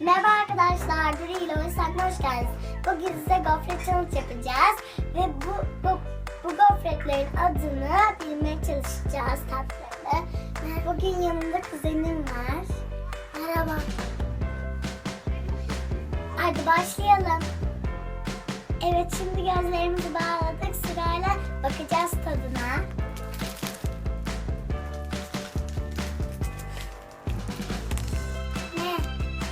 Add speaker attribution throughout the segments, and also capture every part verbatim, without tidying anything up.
Speaker 1: Merhaba arkadaşlar, Duru ile Oysan'la hoş geldiniz. Bugün size gofret challenge yapacağız ve bu, bu, bu gofretlerin adını bilmeye çalışacağız tatlarını. Bugün yanımda kuzenim var. Merhaba. Hadi başlayalım. Evet, şimdi gözlerimizi bağladık, sırayla bakacağız tadına. Ne?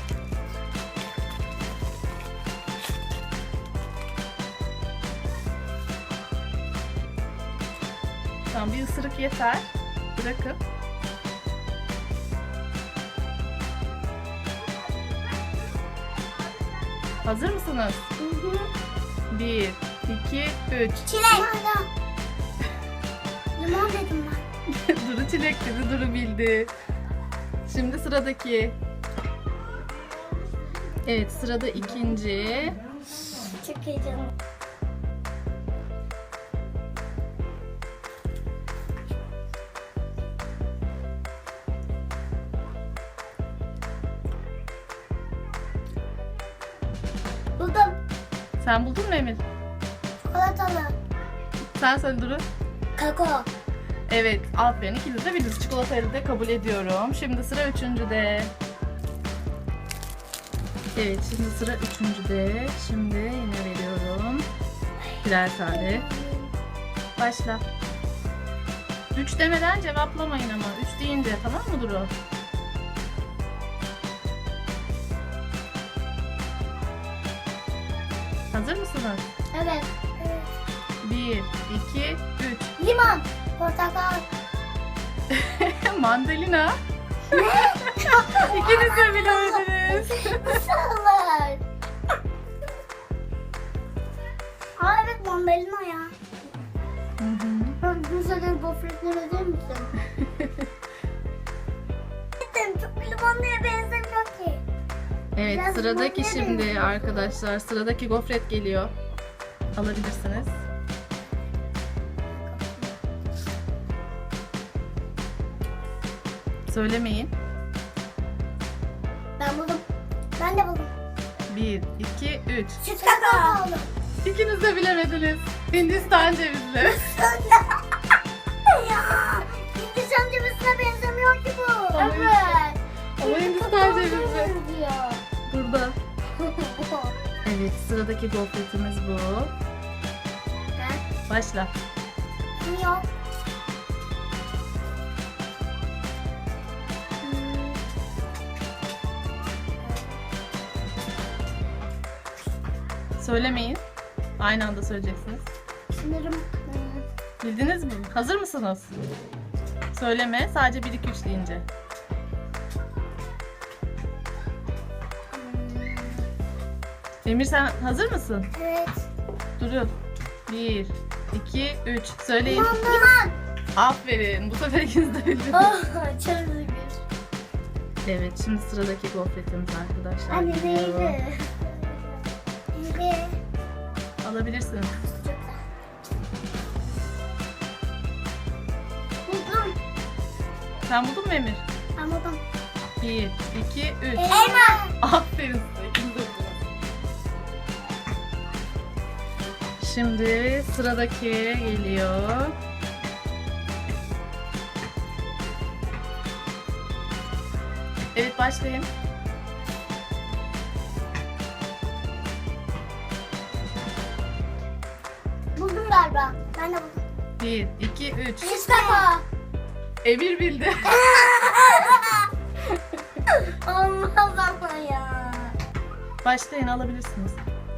Speaker 2: Tamam, bir ısırık yeter. Bırakın. Hazır mısınız?
Speaker 1: Hı hı.
Speaker 2: Bir, iki, üç.
Speaker 1: Çilek. Limon. Limon dedim ben.
Speaker 2: Duru çilek dedi, Duru bildi. Şimdi sıradaki. Evet, sırada ikinci.
Speaker 1: Çok heyecanlı. Buldum.
Speaker 2: Sen buldun mu Emir?
Speaker 1: Çikolatalı.
Speaker 2: Sen söyle Duru.
Speaker 1: Kakao.
Speaker 2: Evet, aferin. İkiniz de bildiniz. Çikolatayı da kabul ediyorum. Şimdi sıra üçüncüde. Evet, şimdi sıra üçüncüde. Şimdi yine veriyorum. Birer tane. Başla. Üç demeden cevaplamayın ama. Üç deyince, tamam mı Duru? Hazır mısınız?
Speaker 1: Evet. Evet.
Speaker 2: Bir, iki, üç.
Speaker 1: Limon. Portakal.
Speaker 2: Mandalina. İkiniz de bilemediniz.
Speaker 1: Nasıl olur? Aa evet, mandalina ya.
Speaker 2: Hı hı.
Speaker 1: Bu senin gofretleri öder misin? Çok limonluya benzemiyor ki.
Speaker 2: Evet,
Speaker 1: Biraz
Speaker 2: sıradaki
Speaker 1: limonluya
Speaker 2: şimdi
Speaker 1: benziyor.
Speaker 2: arkadaşlar. Sıradaki gofret geliyor. Alabilirsiniz. Söylemeyin.
Speaker 1: Ben buldum. Ben de buldum.
Speaker 2: Bir, iki, üç.
Speaker 1: Süt kakao.
Speaker 2: İkiniz de bilemediniz. Hindistan cevizli.
Speaker 1: Ya. Hindistan cevizine benzemiyor ki bu.
Speaker 2: Ama-
Speaker 1: Evet.
Speaker 2: Ama Hindistan cevizi.
Speaker 1: Diyor.
Speaker 2: Burada. Evet, sıradaki gofretimiz bu. Başla.
Speaker 1: Yok.
Speaker 2: Söylemeyin. Aynı anda söyleyeceksiniz.
Speaker 1: Sanırım.
Speaker 2: Bildiniz mi? Hazır mısınız? Söyleme. Sadece bir, iki, üç deyince. Emir, sen hazır mısın?
Speaker 1: Evet.
Speaker 2: Duru. Bir, iki, üç. Söyleyin.
Speaker 1: Limon. Limon.
Speaker 2: Aferin. Bu sefer ikiniz de bildiniz.
Speaker 1: Oh, çok üzgün.
Speaker 2: Evet, şimdi sıradaki gofretimiz arkadaşlar.
Speaker 1: Anne
Speaker 2: geliyor.
Speaker 1: neydi? Neydi?
Speaker 2: Alabilirsiniz.
Speaker 1: Buldum.
Speaker 2: Sen buldun mu Emir?
Speaker 1: Ben buldum.
Speaker 2: Bir, iki, üç.
Speaker 1: Elma.
Speaker 2: Aferin size. İkiniz de bildiniz. Şimdi sıradaki geliyor. Evet, başlayın.
Speaker 1: Buldum galiba. Ben de buldum.
Speaker 2: Bir, iki, üç.
Speaker 1: Süt kakao.
Speaker 2: Emir bildi.
Speaker 1: Olmaz ama ya.
Speaker 2: Başlayın, alabilirsiniz.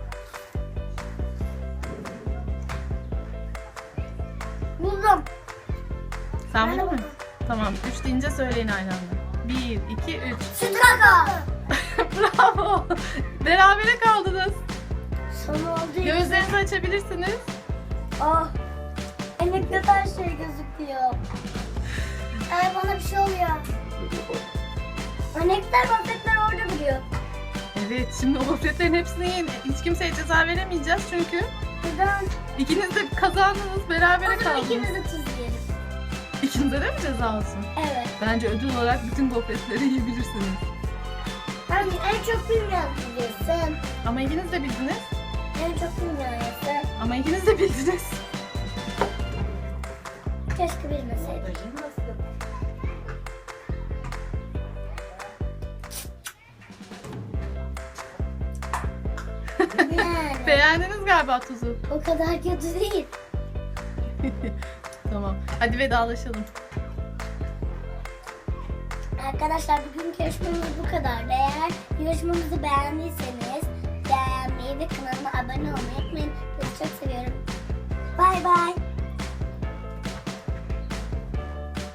Speaker 1: Buldum.
Speaker 2: Sen
Speaker 1: Ben de
Speaker 2: buldun mu?
Speaker 1: buldum.
Speaker 2: Tamam, üç deyince söyleyin aynı anda. Bir, iki, üç.
Speaker 1: Süt kakao.
Speaker 2: Bravo. Berabere kaldınız.
Speaker 1: Son oldu.
Speaker 2: Gözlerinizi açabilirsiniz.
Speaker 1: Oh. Emekte her şey gözüküyor. Ay bana bir şey oluyor. Anekler gofretler orada duruyor.
Speaker 2: Evet, şimdi o gofretlerin hepsini yiyin. Hiç kimseye ceza veremeyeceğiz çünkü
Speaker 1: Neden?
Speaker 2: ikiniz de kazandınız, berabere
Speaker 1: O zaman
Speaker 2: kaldınız.
Speaker 1: ikimiz de tuz yiyelim.
Speaker 2: İkinize de mi ceza olsun?
Speaker 1: Evet.
Speaker 2: Bence ödül olarak bütün gofretleri yiyebilirsiniz.
Speaker 1: Sen en çok bilmeyen biliyorsun.
Speaker 2: Ama ikiniz de bildiniz.
Speaker 1: En çok bilmeyen.
Speaker 2: Ama ikiniz de bildiniz.
Speaker 1: Keşke bilmeseydim. Yani
Speaker 2: Beğendiniz galiba tuzu.
Speaker 1: o kadar kötü değil.
Speaker 2: Tamam. Hadi vedalaşalım.
Speaker 1: Arkadaşlar bugünkü yarışmamız bu kadar. Eğer yarışmamızı beğendiyseniz beğenmeyi ve kanalıma abone olmayı unutmayın. Sizi çok seviyorum. Bay bay.